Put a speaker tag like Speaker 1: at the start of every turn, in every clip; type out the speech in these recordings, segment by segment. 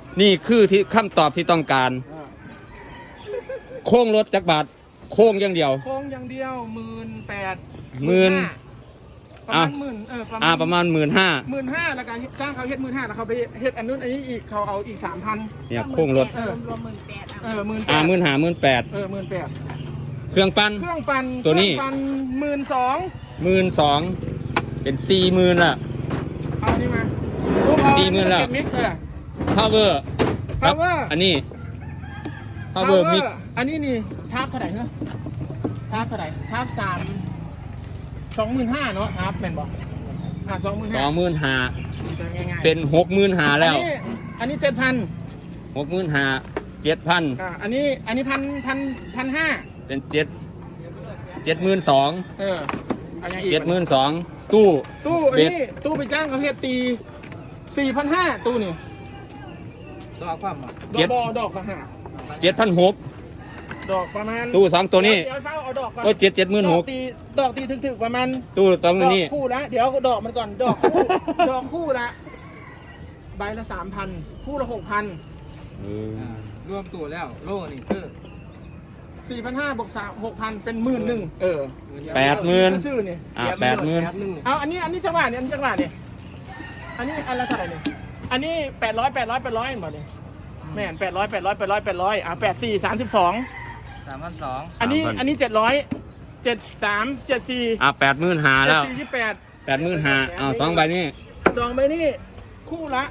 Speaker 1: นี่คือที่คำตอบที่ต้องการโค้งรถจักรบาทโค้งอย่างเดียว
Speaker 2: โค้งอย่างเดียว18,000
Speaker 1: หมื่น
Speaker 2: ประมาณหมื่น
Speaker 1: ประมาณ15,000
Speaker 2: 15,000แล้วก็จ้างเขาเฮ็ด15,000แล้วเขาไปเฮ็ดอันนู้นอันนี้อีกเขาเอาอีก 3,000
Speaker 1: เนี่ยโค้งรถ
Speaker 3: รวม18,000
Speaker 2: 18,000
Speaker 1: 15,000 18,000
Speaker 2: 18,000
Speaker 1: เครื่องปั้น
Speaker 2: เครื่องปั่น
Speaker 1: ตัวนี้
Speaker 2: เครื่องปั่น
Speaker 1: 12,000เป็น40,000ละ
Speaker 2: เอาอันนี้มา
Speaker 1: 40,000แล้ว
Speaker 2: มิก
Speaker 1: power ครับ
Speaker 2: power
Speaker 1: อันนี้ power mix
Speaker 2: อันนี้นี่ทาบเท่าไหร่เนอะทาบเท่าไหร่ทาบ25,000เนาะทาบเป็นบอก25,000
Speaker 1: 25,000เป็น65,000แล้ว
Speaker 2: อันนี้ 7,000
Speaker 1: 65,000 7,000
Speaker 2: อันนี้1,500
Speaker 1: เป็น72,000
Speaker 2: เอาอย่างอีก
Speaker 1: 72,000ตู้
Speaker 2: อัน
Speaker 1: เบ็ด
Speaker 2: นี้ตู้ไปจ้างเขาเฮ็ดตี 4,500ตู้นี่
Speaker 3: ดอกความ
Speaker 2: ดอกละห้า
Speaker 1: 7,600
Speaker 2: ดอกประมาณ
Speaker 1: ตู้2ตัวนี้
Speaker 2: เดี๋ยวเฝ้าเอาดอกก่อน
Speaker 1: ก็76,000
Speaker 2: ดอกตีถึกๆประมาณ
Speaker 1: ตู้2ตัวนี้
Speaker 2: ดอกคู่ละเดี๋ยวดอกมันก่อนดอกคู่ ดอกคู่ละใบละ 3,000 คู่ละ 6,000
Speaker 3: รวมตัวแล้วโล่นี่คือ
Speaker 2: 4,500บวก6,000เป็น11,000
Speaker 1: 80,000
Speaker 2: ซื้อนี่
Speaker 1: 80,000
Speaker 2: เอาอันนี้จังหวะนี่อันนี้อันละเท่าไหร่นี่อันนี้800หมดนี่แม่น800 84 32
Speaker 3: 3,200
Speaker 2: อันนี้700 73 74
Speaker 1: 85,000แล้ว
Speaker 2: 28
Speaker 1: 85,000เอา2ใบนี้
Speaker 2: 2ใบนี้คู่ละ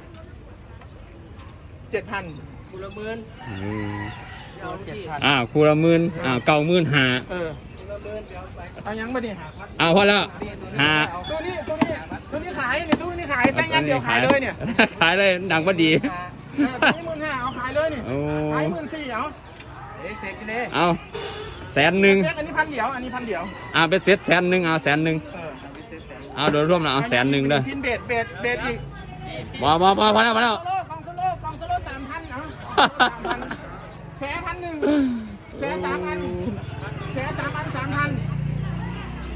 Speaker 2: 7,000
Speaker 3: คูละหมื่นเอา7,000
Speaker 1: คู่ละ10,00095,000
Speaker 2: คูละหมื่นเเอายังมาดิ
Speaker 1: พอแล้ว
Speaker 2: ตัวนี้ขายเนี่ยตู้นี้ขายแซงยันเดียวขายเลยเนี่ย
Speaker 1: ขายเลยดังพอดี
Speaker 2: ตัวนี้15,000เอาขายเลยนี่ขาย14,000เอา
Speaker 3: เฟกเลย
Speaker 1: เอา100,000
Speaker 2: อันนี้1,000เดียว
Speaker 1: เป็นเซ็ต100,000เอา100,000โดยรวมแล้วเอา100,000เด้อ
Speaker 2: พินเบสอีก
Speaker 1: พอแล้ว
Speaker 2: กองโซโล่3,000เอา3,000